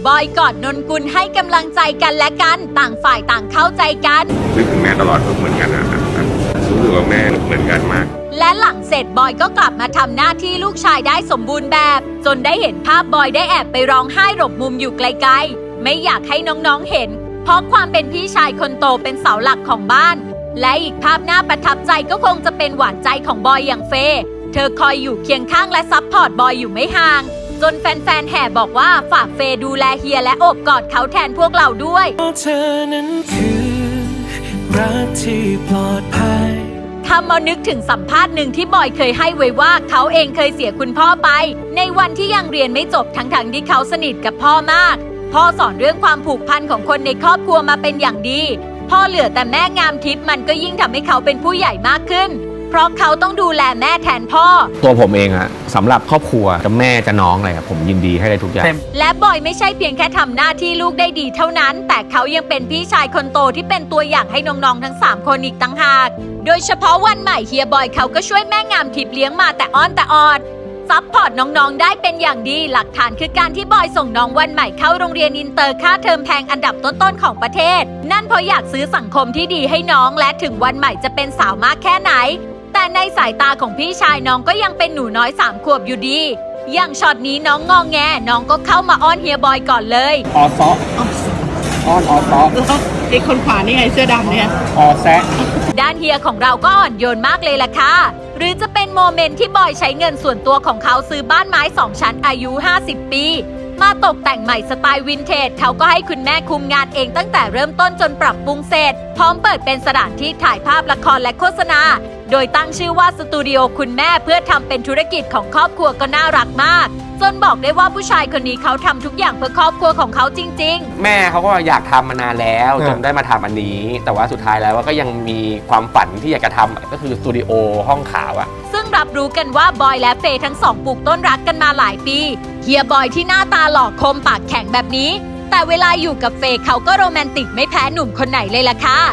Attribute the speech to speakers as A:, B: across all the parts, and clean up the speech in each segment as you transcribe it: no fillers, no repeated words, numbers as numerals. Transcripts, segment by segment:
A: บอยกอดนนกุลให้กำลังใจกันและกันต่างฝ่ายต่างเข้าใจกัน
B: นึกถึงแม่ตลอดเหมือนกันนะรู้สึกว่าแม่เหมือนกันมาก
A: และหลังเสร็จบอยก็กลับมาทำหน้าที่ลูกชายได้สมบูรณ์แบบจนได้เห็นภาพบอยได้แอบไปร้องไห้หลบมุมอยู่ไกลๆไม่อยากให้น้องๆเห็นเพราะความเป็นพี่ชายคนโตเป็นเสาหลักของบ้านและอีกภาพน่าประทับใจก็คงจะเป็นหวานใจของบอยอย่างเฟย์เธอคอยอยู่เคียงข้างและซัพพอร์ตบอยอยู่ไม่ห่างจนแฟนๆแห่บอกว่าฝากเฟย์ดูแลเฮียและโอบกอดเขาแทนพวกเราด้วย
C: เธอนั้นคือรักที่ปลอดภัย
A: ทำมานึกถึงสัมภาษณ์หนึ่งที่บอยเคยให้ไว้ว่าเขาเองเคยเสียคุณพ่อไปในวันที่ยังเรียนไม่จบทั้งที่เขาสนิทกับพ่อมากพ่อสอนเรื่องความผูกพันของคนในครอบครัวมาเป็นอย่างดีพ่อเหลือแต่แม่งามทิพย์มันก็ยิ่งทำให้เขาเป็นผู้ใหญ่มากขึ้นเพราะเขาต้องดูแลแม่แทนพ่อ
D: ตัวผมเองอะสำหรับครอบครัวจะแม่จะน้องอะไรครับผมยินดีให้ได้ทุกอย่าง
A: และบอยไม่ใช่เพียงแค่ทำหน้าที่ลูกได้ดีเท่านั้นแต่เขายังเป็นพี่ชายคนโตที่เป็นตัวอย่างให้น้องๆทั้ง3คนอีกต่างหากโดยเฉพาะวันใหม่เฮียบอยเขาก็ช่วยแม่งามทิพย์เลี้ยงมาแต่อ้อนแต่ออดซัพพอร์ตน้องๆได้เป็นอย่างดีหลักฐานคือการที่บอยส่งน้องวันใหม่เข้าโรงเรียนอินเตอร์ค่าเทอมแพงอันดับต้นๆของประเทศนั่นเพราะอยากซื้อสังคมที่ดีให้น้องและถึงวันใหม่จะเป็นสาวมากแค่ไหนแต่ในสายตาของพี่ชายน้องก็ยังเป็นหนูน้อย3 ขวบอยู่ดีอย่างช็อตนี้น้องงอแงน้องก็เข้ามาอ้อนเฮียบอยก่อนเลย
D: ออซออ้อนออซอ
E: ไอ้คนขวานี่ไงเสื้อดำเนี่ย
D: ออแซะ
A: ด้านเฮียของเราก็อ่อนโยนมากเลยล่ะค่ะหรือจะเป็นโมเมนต์ที่บอยใช้เงินส่วนตัวของเขาซื้อบ้านไม้2 ชั้นอายุ50 ปีมาตกแต่งใหม่สไตล์วินเทจเขาก็ให้คุณแม่คุมงานเองตั้งแต่เริ่มต้นจนปรับปรุงเสร็จพร้อมเปิดเป็นสถานที่ถ่ายภาพละครและโฆษณาโดยตั้งชื่อว่าสตูดิโอคุณแม่เพื่อทำเป็นธุรกิจของครอบครัวก็น่ารักมากจนบอกได้ว่าผู้ชายคนนี้เขาทำทุกอย่างเพื่อครอบครัวของเขาจริง
D: ๆแม่เขาก็อยากทำมานานแล้วจนได้มาทำอันนี้แต่ว่าสุดท้ายแล้วก็ยังมีความฝันที่อยากจะทำก็คือสตูดิโอห้องขาวอะ
A: ซึ่งรับรู้กันว่าบอยและเฟย์ทั้ง2ปลูกต้นรักกันมาหลายปีเฮียบอยที่หน้าตาหล่อคมปากแข็งแบบนี้แต่เวลาอยู่กับเฟย์เขาก็โรแมนติกไม่แพ้หนุ่มคนไหนเลยล่ะค่ะ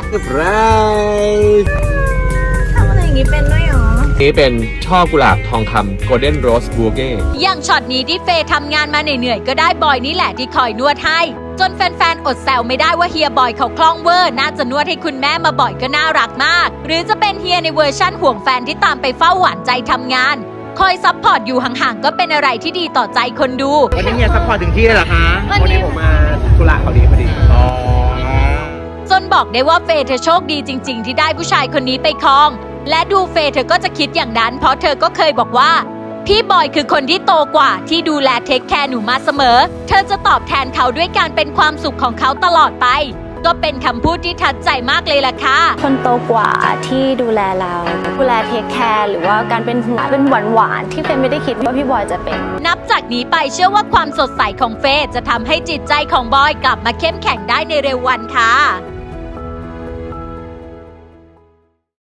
E: ทำอะไรอย่างนี้เป็นด้วยหรอ
D: นี่เป็นช่อกุหลาบทองคำ Golden Rose Bouquet
A: อย่างช็อตนี้ที่เฟย์ทำงานมาเหนื่อยๆก็ได้บอยนี่แหละที่คอยนวดให้จนแฟนๆอดแซวไม่ได้ว่าเฮียบอยเขาคล่องเวอร์น่าจะนวดให้คุณแม่มาบ่อยก็น่ารักมากหรือจะเป็นเฮียในเวอร์ชั่นห่วงแฟนที่ตามไปเฝ้าหวานใจทำงานคอยซัพพอร์ตอยู่ห่างๆก็เป็นอะไรที่ดีต่อใจคนดู
D: วันนี้เฮียซัพพอร์ตถึงที่เลยเหรอคะวันนี้ผมมากุหลาบเขาดีพอดี
A: จนบอกได้ว่าเฟย์เธอโชคดีจริงๆที่ได้ผู้ชายคนนี้ไปครองและดูเฟย์เธอก็จะคิดอย่างนั้นเพราะเธอก็เคยบอกว่าพี่บอยคือคนที่โตกว่าที่ดูแลเทคแคร์หนูมาเสมอเธอจะตอบแทนเขาด้วยการเป็นความสุขของเขาตลอดไปก็เป็นคำพูดที่ทัดใจมากเลยล่ะค่ะ
F: คนโตกว่าที่ดูแลเราดูแลเทคแคร์หรือว่าการเป็นห่วงเป็นหวานที่เฟย์ไม่ได้คิดว่าพี่บอยจะเป็น
A: นับจากนี้ไปเชื่อว่าความสดใสของเฟย์จะทำให้จิตใจของบอยกลับมาเข้มแข็งได้ในเร็ววันค่ะ